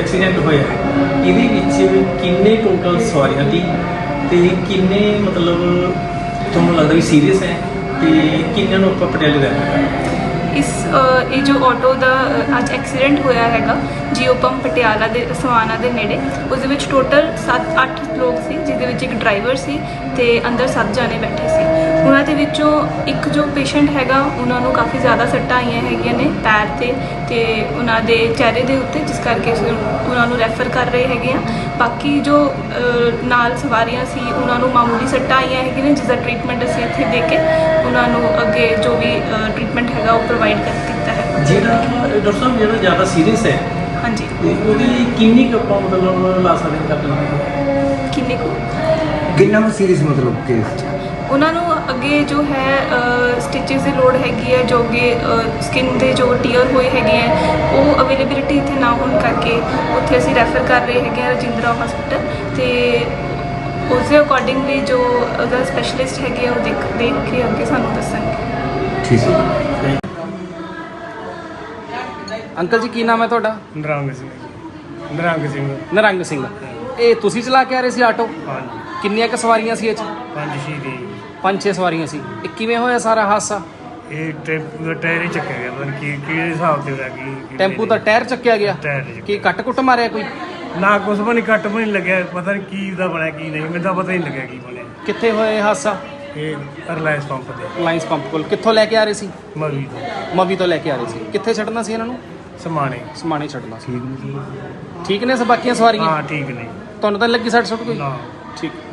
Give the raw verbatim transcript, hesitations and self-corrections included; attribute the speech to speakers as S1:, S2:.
S1: Accident ਹੋਇਆ ਇਹਦੇ ਵਿੱਚ ਕਿੰਨੇ ਟੋਟਲ ਸਵਾਰੀਆਂ ਸੀ ਤੇ ਕਿੰਨੇ ਮਤਲਬ ਤੁਹਾਨੂੰ ਲੱਗਦਾ ਵੀ ਸੀਰੀਅਸ ਹੈ ਤੇ ਕਿੰਨਿਆਂ ਨੂੰ ਆਪਾਂ ਪਟਿਆਲੇ ਲੈ
S2: ਇਸ ਅ, ਇਹ ਜੋ ਆਟੋ ਦਾ ਅ, ਅੱਜ ਐਕਸੀਡੈਂਟ ਹੋਇਆ ਹੈਗਾ ਜੀਓ ਪੰਪ ਪਟਿਆਲਾ ਦੇ ਸਵਾਨਾ ਦੇ ਨੇੜੇ, ਉਸ ਦੇ ਵਿੱਚ ਟੋਟਲ ਸੱਤ ਅੱਠ ਲੋਕ ਸੀ, ਜਿਹਦੇ ਵਿੱਚ ਇੱਕ ਡਰਾਈਵਰ ਸੀ ਤੇ ਅੰਦਰ ਸੱਤ ਜਾਣੇ ਬੈਠੇ ਸੀ। ਉਹਨਾਂ ਦੇ ਵਿੱਚੋਂ ਇੱਕ ਜੋ ਪੇਸ਼ੈਂਟ ਹੈਗਾ ਉਹਨਾਂ ਨੂੰ ਕਾਫੀ ਜ਼ਿਆਦਾ ਸੱਟਾਂ ਆਈਆਂ ਹੈਗੀਆਂ ਨੇ ਪੈਰ ਤੇ ਤੇ ਉਹਨਾਂ ਦੇ ਚਿਹਰੇ ਦੇ ਉੱਤੇ, ਜਿਸ ਕਰਕੇ ਅਸੀਂ ਉਹਨਾਂ ਨੂੰ ਰੈਫਰ ਕਰ ਰਹੇ ਹੈਗੇ ਆ। ਬਾਕੀ ਜੋ ਅ, ਨਾਲ ਸਵਾਰੀਆਂ ਸੀ ਉਹਨਾਂ ਨੂੰ ਮਾਮੂਲੀ ਸੱਟਾਂ ਆਈਆਂ ਹੈਗੀਆਂ ਨੇ, ਜਿਸ ਦਾ ਟ੍ਰੀਟਮੈਂਟ ਅਸੀਂ ਇੱਥੇ ਦੇ ਕੇ ਉਹਨਾਂ ਨੂੰ ਅੱਗੇ ਜੋ ਵੀ ਟ੍ਰੀਟਮੈਂਟ ਹੈਗਾ ਉਹ ਪ੍ਰੋਵਾਈਡ ਕਰ ਦਿੱਤਾ ਹੈ।
S1: ਜਿਹੜਾ ਡਾਕਟਰ ਸਾਹਿਬ ਜਿਹੜਾ ਜ਼ਿਆਦਾ ਸੀਰੀਅਸ ਹੈ
S2: ਹਾਂਜੀ,
S1: ਤੇ ਉਹਦੀ ਕਿੰਨੀ ਕੁ ਆਪਾਂ ਮਤਲਬ ਲਾ ਸਕਦੇ ਹਾਂ ਕਰ
S2: ਕਿੰਨੇ ਕੁ
S3: ਕਿੰਨਾ ਕੁ ਸੀਰੀਅਸ ਮਤਲਬ ਕੇਸ?
S2: ਉਹਨਾਂ ਨੂੰ ਅੱਗੇ ਜੋ ਹੈ ਸਟਿਚਸ ਦੀ ਲੋੜ ਹੈਗੀ ਹੈ, ਜੋ ਅੱਗੇ ਸਕਿਨ ਦੇ ਜੋ ਟੀਅਰ ਹੋਏ ਹੈਗੇ ਹੈ ਉਹ ਅਵੇਲੇਬਿਲਿਟੀ ਇੱਥੇ ਨਾ ਹੋਣ ਕਰਕੇ ਉੱਥੇ ਅਸੀਂ ਰੈਫਰ ਕਰ ਰਹੇ ਹੈਗੇ ਹਾਂ ਰਜਿੰਦਰਾ ਹਸਪੀਟਲ, ਤੇ ਉਸ ਦੇ ਅਕੋਰਡਿੰਗਲੀ ਜੋ ਉਹਦਾ ਸਪੈਸ਼ਲਿਸਟ ਹੈਗੇ ਆ ਉਹ ਦੇਖ ਦੇਖ ਕੇ ਅੱਗੇ ਸਾਨੂੰ ਦੱਸਣਗੇ।
S3: ਠੀਕ ਹੈ।
S4: ਅੰਕਲ ਜੀ ਕੀ ਨਾਮ ਹੈ ਤੁਹਾਡਾ?
S5: ਨਰੰਗ ਸਿੰਘ ਨਰੰਗ ਸਿੰਘ
S4: ਨਿਰੰਗ ਸਿੰਘ। ਇਹ ਤੁਸੀਂ ਚਲਾ ਕੇ ਆ ਰਹੇ ਸੀ ਆਟੋ?
S5: ਹਾਂਜੀ,
S4: ਕਿੰਨੀਆਂ ਕੁ ਸਵਾਰੀਆਂ ਸੀ ਇਹ 'ਚ?
S5: ਪੰਜ ਛੇ ਦੇ
S4: ਪੰਜ ਛੇ ਸਵਾਰੀਆਂ ਸੀ। ਇਹ ਕਿਵੇਂ ਹੋਇਆ ਸਾਰਾ ਹਾਦਸਾ?
S5: ਇਹ ਟੈਂਪੂ ਦਾ ਟਾਇਰ ਹੀ ਚੱਕਿਆ ਗਿਆ, ਪਤਾ ਨਹੀਂ ਕੀ ਕਿਹੜੇ ਹਿਸਾਬ ਤੇ ਹੋਇਆ ਕੀ
S4: ਟੈਂਪੂ ਦਾ ਟਾਇਰ ਚੱਕਿਆ ਗਿਆ?
S5: ਟਾਇਰ ਚੱਕਿਆ।
S4: ਕੀ ਕੱਟ ਕੁੱਟ ਮਾਰਿਆ ਕੋਈ?
S5: ਨਾ ਕੁਛ ਵੀ ਨਹੀਂ, ਕੱਟ ਵੀ ਨਹੀਂ ਲੱਗਿਆ, ਪਤਾ ਨਹੀਂ ਕੀ ਦਾ ਬਣਿਆ ਕੀ ਨਹੀਂ, ਮੈਨੂੰ ਤਾਂ ਪਤਾ ਹੀ ਨਹੀਂ ਲੱਗਿਆ ਕੀ ਬਣਿਆ।
S4: ਕਿੱਥੇ ਹੋਇਆ ਇਹ ਹਾਦਸਾ?
S5: ਇਹ ਰਿਲਾਇੰਸ ਪੰਪ ਤੇ
S4: ਰਿਲਾਇੰਸ ਪੰਪ ਕੋਲ। ਕਿੱਥੋਂ ਲੈ ਕੇ ਆ ਰਹੇ ਸੀ?
S5: ਮਵੀ ਤੋਂ
S4: ਮਵੀ ਤੋਂ ਲੈ ਕੇ ਆ ਰਹੇ ਸੀ। ਕਿੱਥੇ ਛੱਡਣਾ ਸੀ ਇਹਨਾਂ ਨੂੰ?
S5: ਸਮਾਣੇ।
S4: ਸਮਾਣੇ ਛੱਡਣਾ ਸੀ। ਠੀਕ ਨੇ ਸਭ ਬਾਕੀਆਂ ਸਵਾਰੀਆਂ?
S5: ਹਾਂ ਠੀਕ ਨੇ।
S4: ਤੁਹਾਨੂੰ ਤਾਂ ਨੀ ਲੱਗੀ ਸੱਟ ਸੁੱਟ ਕੋਈ?
S5: ਨਾ
S4: ਠੀਕ।